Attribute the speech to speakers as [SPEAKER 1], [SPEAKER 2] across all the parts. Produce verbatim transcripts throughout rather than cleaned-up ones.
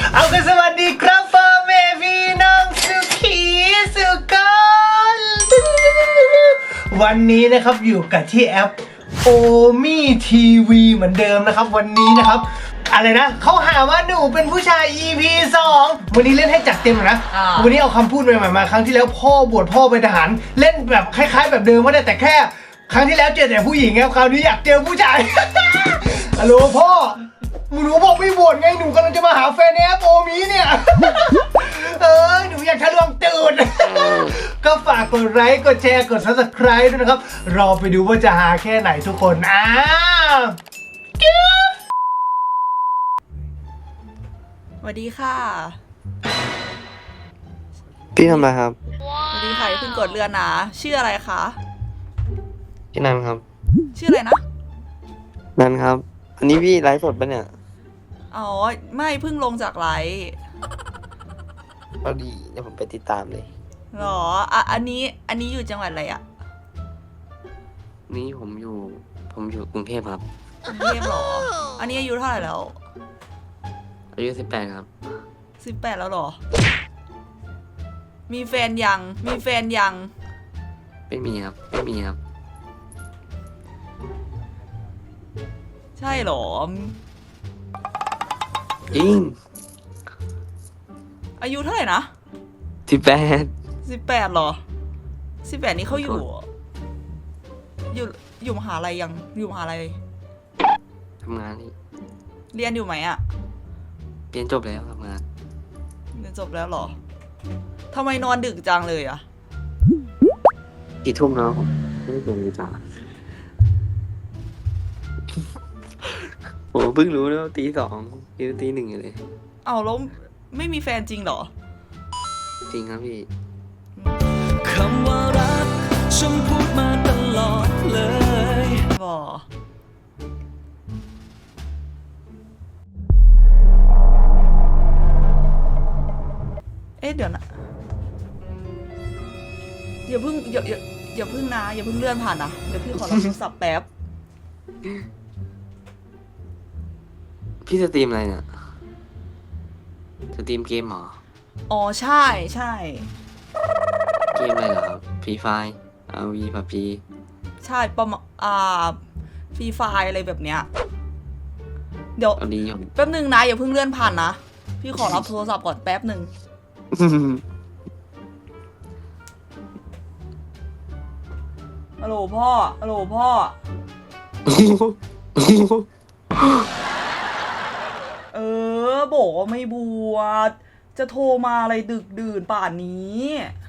[SPEAKER 1] เอากันสวัสดีครับพ่อแม่พี่น้องสุขีสุกรวันนี้นะครับอยู่กับที่แอปโอมี่ทีวีเหมือนเดิมนะครับวันนี้นะครับอะไรนะเขาหาว่าหนูเป็นผู้ชาย อี พี สองวันนี้เล่นให้จัดเต็มนะวันนี้เอาคำพูดใหม่ๆมาครั้งที่แล้วพ่อบวชพ่อเป็นทหารเล่นแบบคล้ายๆแบบเดิมก็ได้แต่แค่ครั้งที่แล้วเจอแต่ผู้หญิงครับคราวนี้อยากเจอผู้ชายฮัลโหลพ่อหนูบอกไม่บวชไงหนูกำลังจะมาหาแฟนในแอปโอมี่เนี่ยเออหนูอยากทะลวงตูดก็ฝากกดไลค์กดแชร์กด ซับสไครบ์ ด้วยนะครับรอไปดูว่าจะหาแค่ไหนทุกคนอ้าว
[SPEAKER 2] สวัสดีค่ะ
[SPEAKER 3] พี่ทำอะไรครับ
[SPEAKER 2] สวัสดีค่ะเพิ่งกดเรือนนะชื่ออะไรคะ
[SPEAKER 3] พี่นันครับ
[SPEAKER 2] ชื่ออะไรนะ
[SPEAKER 3] นันครับอันนี้พี่ไลฟ์สดปะเนี่ย
[SPEAKER 2] อ๋อไม่เพิ่งลงจากไลฟ์
[SPEAKER 3] พอดีเดี๋ยวผมไปติดตามเลย
[SPEAKER 2] หรออ่ะอันนี้อันนี้อยู่จังหวัดอะไรอ่ะ
[SPEAKER 3] นี่ผมอยู่ผมอยู่กรุงเทพครับ
[SPEAKER 2] กรุงเทพหรออันนี้อายุเท่าไหร่แล้ว
[SPEAKER 3] อายุสิบแปดครับ
[SPEAKER 2] สิบแปดแล้วหรอมีแฟนยังมีแฟนยัง
[SPEAKER 3] ไม่มีครับไม่มีครับ
[SPEAKER 2] ใช่หรอ
[SPEAKER 3] จริง
[SPEAKER 2] อายุเท่าไหร่นะ
[SPEAKER 3] สิบแปด
[SPEAKER 2] สิบแปดหรอสิบแปดนี้เขาอยู่อยู่อยู่มหาลัยยังอยู่มหาลัย
[SPEAKER 3] ทำงานนี่
[SPEAKER 2] เรียนอยู่ไหมอะ
[SPEAKER 3] เรียนจบแล้วทำงาน
[SPEAKER 2] เรียนจบแล้วหรอทำไมนอนดึกจังเลยอะ
[SPEAKER 3] กี่ทุ่มแล้วไม่ได้ดูจ้าโหเพิ่งรู้แล้วตีสองตีตีหนึ่งอยู่เลย
[SPEAKER 2] เอาแล้วไม่มีแฟนจริงเหรอ
[SPEAKER 3] จริงครับพี่
[SPEAKER 4] คำว่ารักฉันพูดมาตลอดเลย
[SPEAKER 2] บ่เอ๊ะเดี๋ยวนะอย่าเพิ่งอย่าอย่าอย่าเพิ่งนะอย่าเพิ่งเลื่อนผ่านนะเดี๋ยวพี่ขอรับโทรศัพท์แป๊บ
[SPEAKER 3] พี่สตรีมอะไรเนี่ยสตรีมเกมเหรอ
[SPEAKER 2] อ๋อใช่ใช่
[SPEAKER 3] เกมอะไรเหรอครับฟรีไฟร์อาวีพับจี
[SPEAKER 2] ใช่ประมาณอ่าฟรีไฟอะไรแบบเนี้ยเดี๋ยวแป๊บนึงนะอย่าเพิ่งเลื่อนผ่านนะพี่ขอรับโทรศัพท์ก่อนแป๊บนึงฮัลโหลพ่อฮัลโหลพ่อเออบอกว่าไม่บวชจะโทรมาอะไรดึกดื่นป่านนี้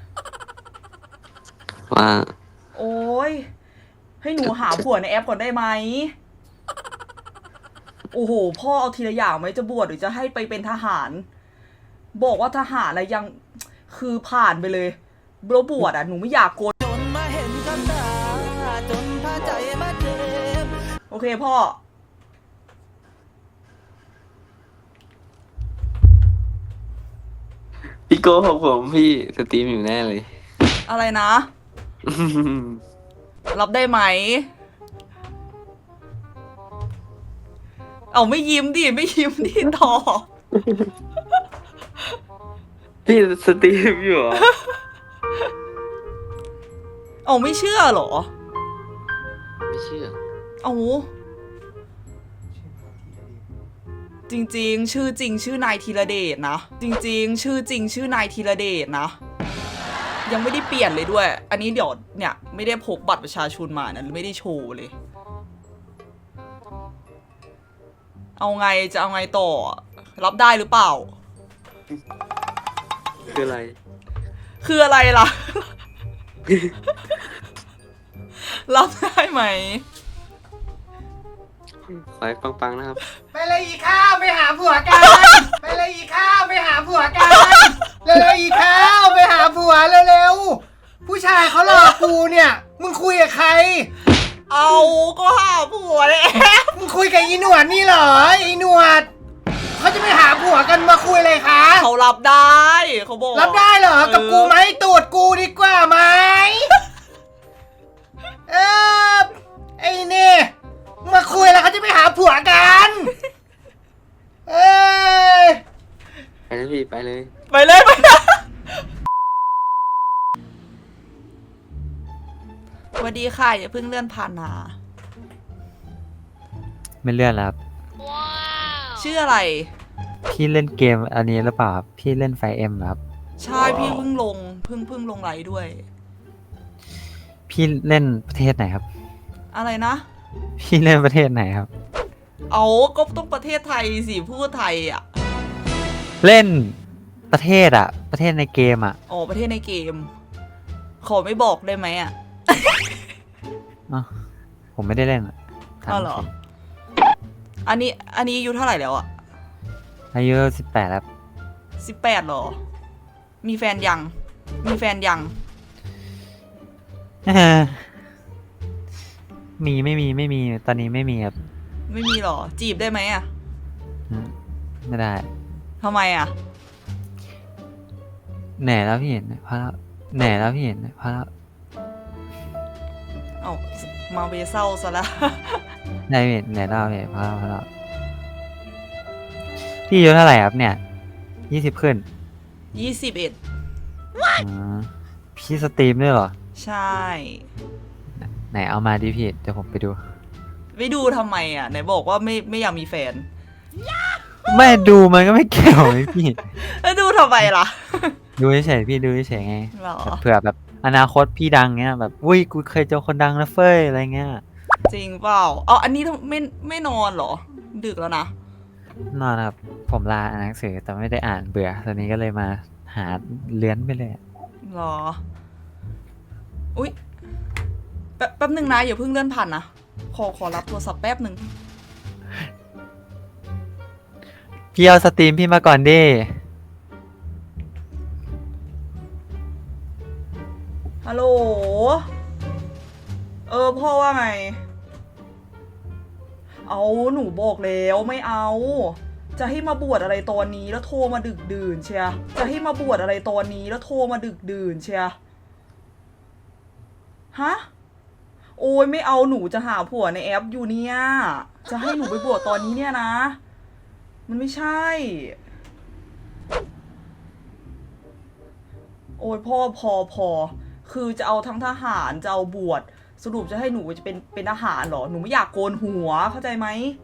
[SPEAKER 3] ว่า
[SPEAKER 2] โอ้ยให้หนูหาผัวในแอปก่อนได้ไหมโอ้โหพ่อเอาทีละอย่างไหมจะบวชหรือจะให้ไปเป็นทหารบอกว่าทหารอะไรยังคือผ่านไปเลยแล้วบวชอ่ะหนูไม่อยากโกนจนมาเห็นกับตาจนพาใจมาเจ็บโอเคพ่อ
[SPEAKER 3] พี่โก้ของผมพี่สตรีมอยู่แน่เลย
[SPEAKER 2] อะไรนะ รับได้ไหมเอาไม่ยิ้มดิไม่ยิ้มดิต่อ
[SPEAKER 3] พี่สตรีมอยู่เหรอ
[SPEAKER 2] เอาไม่เชื่อเหรอ
[SPEAKER 3] ไม่เชื่อ
[SPEAKER 2] เอาจริงๆชื่อจริงชื่อนายธีรเดชนะจริงๆชื่อจริงชื่อนายธีรเดชนะยังไม่ได้เปลี่ยนเลยด้วยอันนี้เดี๋ยวเนี่ยไม่ได้พกบัตรประชาชนมานะไม่ได้โชว์เลยเอาไงจะเอาไงต่อรับได้หรือเปล่า
[SPEAKER 3] คืออะไร
[SPEAKER 2] คืออะไรล่ะ รับได้ไหม
[SPEAKER 3] ขอให้ปังๆนะครับ
[SPEAKER 1] ไปเลยอีข้าวไปหาผัวกันไปเลยอีข้าวไปหาผัวกันเร็วๆอีข้าวไปหาผัวเร็วๆผู้ชายเขารอกูเนี่ยมึงคุยกับใคร
[SPEAKER 2] เอาก็หาผัวเลย
[SPEAKER 1] มึงคุยกับอีหนวดนี่เหรอไอ้หนวดเขาจะไปหาผัวกันมาคุยเลยคะ
[SPEAKER 2] เขารับได้เขาบอก
[SPEAKER 1] รับได้เหรอกับกูไหมตูดกูดีกว่าไหมเออไอ้นี่มาคุยแล้วเขาจะไปหาผัวกันเอ้ย
[SPEAKER 3] ไปเลยพี่ไปเลย
[SPEAKER 2] ไปเลยไปเลยสวัสดีค่ะอย่าเพิ่งเลื่อนผ่านนะ
[SPEAKER 5] ไม่เลื่อนแล้วครับ
[SPEAKER 2] ชื่ออะไร
[SPEAKER 5] พี่เล่นเกมอันนี้หรือเปล่าครับพี่เล่นไฟเอ็มครับ
[SPEAKER 2] ใช่พี่เพิ่งลงเพิ่งเพิ่งลงไลฟ์ด้วย
[SPEAKER 5] พี่เล่นประเทศไหนครับ
[SPEAKER 2] อะไรนะ
[SPEAKER 5] พี่เล่นประเทศไหนครับ
[SPEAKER 2] เอาก็ต้องประเทศไทยสิพูดไทยอ่ะ
[SPEAKER 5] เล่นประเทศอะประเทศในเกมอะ
[SPEAKER 2] อ๋อประเทศในเกม ขอไม่บอกได้ไหมอ่ะ
[SPEAKER 5] อ้าวผมไม่ได้เล่นอะถาม
[SPEAKER 2] อ๋อเหรอ
[SPEAKER 5] จริง
[SPEAKER 2] อันนี้อันนี้อายุเท่าไหร่แล้วอ่ะ
[SPEAKER 5] อายุสิบแปดครับ
[SPEAKER 2] สิบแปดหรอ มีแฟนยัง มีแฟนยัง
[SPEAKER 5] เอ้อมีไม่มีไม่มีตอนนี้ไม่มีครับ
[SPEAKER 2] ไม่มีหรอ จีบได้ไหมอ่ะ
[SPEAKER 5] อืมไม่ได้
[SPEAKER 2] ทำไมอ่ะ
[SPEAKER 5] เหนื่อยแล้วพี่เห็นเพราะเหนื่อยแล้วพี่เห็นเพราะ
[SPEAKER 2] เอ้ามาเวเศร้าซะละ
[SPEAKER 5] ได้พี่เหนื่อยแล้วพี่เพราะเพราะพี่อายุเท่าไหร่ครับเนี่ยยี่สิบขึ้น
[SPEAKER 2] ยี่สิบเอ็ด
[SPEAKER 5] อ๋อพี่สตรีมด้วยเหรอ
[SPEAKER 2] ใช่
[SPEAKER 5] ไหนเอามาดิพี่เดี๋ยวผมไปดู
[SPEAKER 2] ไม่ดูทำไมอ่ะ ไหนบอกว่าไม่ไม่อยากมีแฟน
[SPEAKER 5] ไม่ดูมันก็ไม่เกี่ยวไงพี่
[SPEAKER 2] แล้วดูทำไมล่ะ
[SPEAKER 5] ดูเฉยๆพี่ดูเฉยๆไง
[SPEAKER 2] หรอ
[SPEAKER 5] แบบเผื่อแบบอนาคตพี่ดังเงี้ยแบบอุ้ยกูเคยเจอคนดังนะเฟ้ยอะไรเงี้ย
[SPEAKER 2] จริงเปล่าอ๋ออันนี้ทำไม่ไม่นอนเหรอ ดึกแล้วนะ
[SPEAKER 5] นอนครับผมลาอ่านหนังสือแต่ไม่ได้อ่านเบื่อตอนนี้ก็เลยมาหาเลื้อนไปเลย
[SPEAKER 2] หรอ อุ๊ย แป๊บแป๊บหนึ่งนะอย่าเพิ่งเลื่อนผ่านนะ ขอขอรับโทรศัพท์แป๊บหนึ่ง
[SPEAKER 5] พี่เอาสตรีมพี่มาก่อนดิ
[SPEAKER 2] ฮัลโหล เออพ่อว่าไง เอาหนูบอกแล้วไม่เอา จะให้มาบวชอะไรตอนนี้แล้วโทรมาดึกดื่นเชียจะให้มาบวชอะไรตอนนี้แล้วโทรมาดึกดื่นเชียฮะ โอ้ยไม่เอาหนูจะหาผัวในแอปอยู่เนี่ย จะให้หนูไปบวชตอนนี้เนี่ยนะ มันไม่ใช่ โอ้ยพ่อพอพอ คือจะเอาทั้งทหารจะเอาบวชสรุปจะให้หนูจะเป็นเป็นทหารเหรอ หนูไม่อยากโกนหัวเข้าใจไหม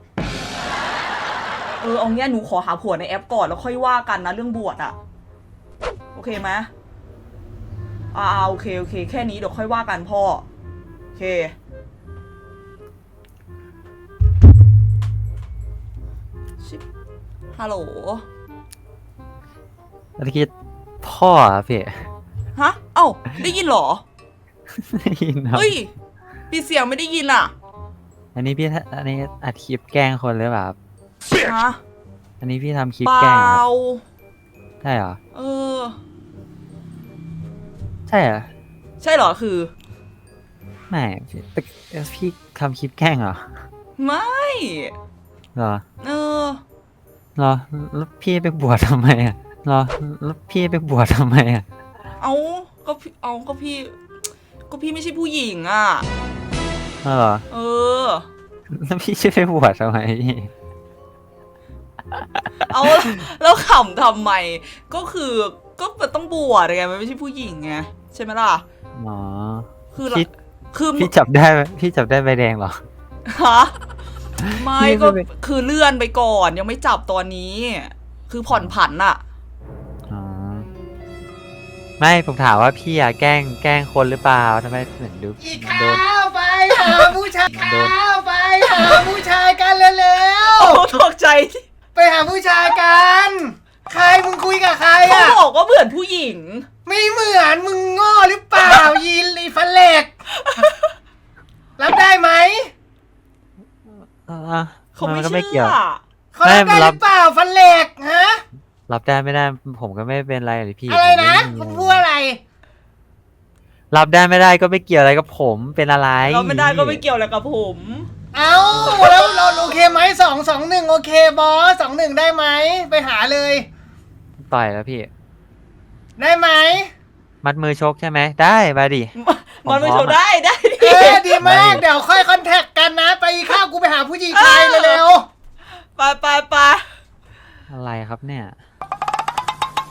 [SPEAKER 2] เออเอาเงี้ยหนูขอหาผัวในแอปก่อนแล้วค่อยว่ากันนะเรื่องบวชอะโอเคไหมอ่าโอเคโอเคแค่นี้เดี๋ยวค่อยว่ากันพ่อโอเคชิบฮัลโหล
[SPEAKER 5] เมื่อกี้พ่ออะพี่
[SPEAKER 2] ฮะเอ้าได้ยินเหรอ
[SPEAKER 5] ได้ยินครับ
[SPEAKER 2] เฮ้ยปิดเสียงไม่ได้ยินอ่ะ
[SPEAKER 5] อันนี้พี่อันนี้อัดคลิปแกล้งคนหรือเปล่าครับ
[SPEAKER 2] ฮะ
[SPEAKER 5] อันนี้พี่ทำคลิป
[SPEAKER 2] เป
[SPEAKER 5] แกล้ง
[SPEAKER 2] ล่า
[SPEAKER 5] เหรอใช่เหรอ
[SPEAKER 2] เออ
[SPEAKER 5] ใช่เหรอ
[SPEAKER 2] ใช่เหรอคือ
[SPEAKER 5] ไม่พี่แต่พี่ทำคลิปแกล้งเหรอ
[SPEAKER 2] ไม่
[SPEAKER 5] เหรอ
[SPEAKER 2] เออ
[SPEAKER 5] เหรอแล้วพี่ไปบวชทำไมอ่ะเหรอแล้วพี่ไปบวชทำไมอ่ะ
[SPEAKER 2] เอาก็พี่เอาก็พี่ ก็พี่ไม่ใช่ผู้หญิงอ่ะ
[SPEAKER 5] เหรอ
[SPEAKER 2] เออ
[SPEAKER 5] แล้วพี่จะไปบวชทำไมพี่
[SPEAKER 2] เอาแล้วขำทำไม ก็คือก็มันต้องบวชไงมันไม่ใช่ผู้หญิงไงใช่ไหมล่ะ
[SPEAKER 5] อ๋อ
[SPEAKER 2] คือเรา
[SPEAKER 5] พี่
[SPEAKER 2] คือ
[SPEAKER 5] พี่จับได้ไหมพี่จับได้ใบแดงเหรอ
[SPEAKER 2] ฮะไม่
[SPEAKER 5] พี่
[SPEAKER 2] ก็
[SPEAKER 5] ไม่
[SPEAKER 2] คือเลื่อนไปก่อนยังไม่จับตอนนี้ คือผ่อนผันอะ
[SPEAKER 5] อ๋อไม่ผมถามว่าพี่อะแกล้งแกล้งคนหรือเปล่าทำไมเหมือนดู
[SPEAKER 1] อีก
[SPEAKER 5] โดน
[SPEAKER 1] ข้าวไปหาผู้ชาย
[SPEAKER 5] โดน
[SPEAKER 1] ข้าวไปหาผู้ชายกันเร็ว
[SPEAKER 2] โอ้ตกใจ
[SPEAKER 1] ๆไปหาผู้ชายกัน ใครมึงคุยกับใคร
[SPEAKER 2] เขา
[SPEAKER 1] อ่ะ
[SPEAKER 2] บอกว่าเหมือนผู้หญิง
[SPEAKER 1] ไม่เหมือนมึงโง่หรือเปล่า ยีนอีฟันเหล็ก รับได้ไหม
[SPEAKER 5] อ่ะ
[SPEAKER 2] เขาไม่
[SPEAKER 5] นก็
[SPEAKER 2] เชื่
[SPEAKER 5] ไม่เกี่ยว
[SPEAKER 2] อ
[SPEAKER 1] เขารับได้หรือเปล่าฟันเหล็กฮะ
[SPEAKER 5] รับได้ไม่ได้ผมก็ไม่เป็นไรเลยพี่
[SPEAKER 1] อะไรนะ
[SPEAKER 5] ผม
[SPEAKER 1] มึง
[SPEAKER 5] ไม่มี
[SPEAKER 1] พูดอะไร
[SPEAKER 5] รับได้ไม่ได้ก็ไม่เกี่ยวอะไรกับผมเป็นอะไร
[SPEAKER 2] เราไม่ได้ก็ไม่เกี่ยวอะไรกับผม
[SPEAKER 1] เอ้าแล้วเราโอเคไหมสองสองหนึ่งโอเคบอสสองหนึ่งได้ไหมไปหาเลย
[SPEAKER 5] ต่อยแล้วพี่
[SPEAKER 1] ได้ไหม
[SPEAKER 5] มัดมือชกใช่ไหมได้มาดิ
[SPEAKER 2] มันไม่
[SPEAKER 5] ผมพร้อม
[SPEAKER 2] โชว์ได้ได้ดิ
[SPEAKER 1] เออดีมากเดี๋ยวค่อยคอนแทคกันนะ ไปข้าวกูไปหาผู้หญิงชายเร็ว
[SPEAKER 2] ไปไปไป
[SPEAKER 5] อะไรครับเนี่ย
[SPEAKER 1] ๆ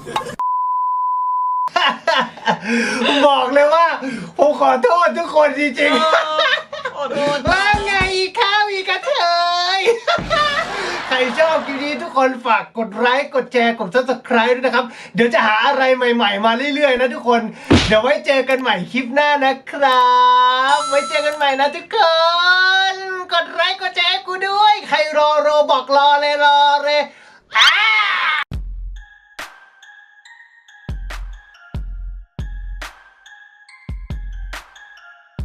[SPEAKER 1] บอกเลยว่าผมขอโทษทุกคนจริงๆ
[SPEAKER 2] ขอโทษ
[SPEAKER 1] ว่าไงอีกข้าวอีกกระเทย ใครชอบคลิปนี้ทุกคนฝากกดไลค์กดแชร์กด ซับสไครบ์ ด้วยนะครับ เดี๋ยวจะหาอะไรใหม่ๆมาเรื่อยๆนะทุกคน เดี๋ยวไว้เจอกันใหม่คลิปหน้านะครับ ไว้เจอกันใหม่นะทุกคน กดไลค์กดแชร์กูด้วย ใครรอโรบอกรอเลยรอ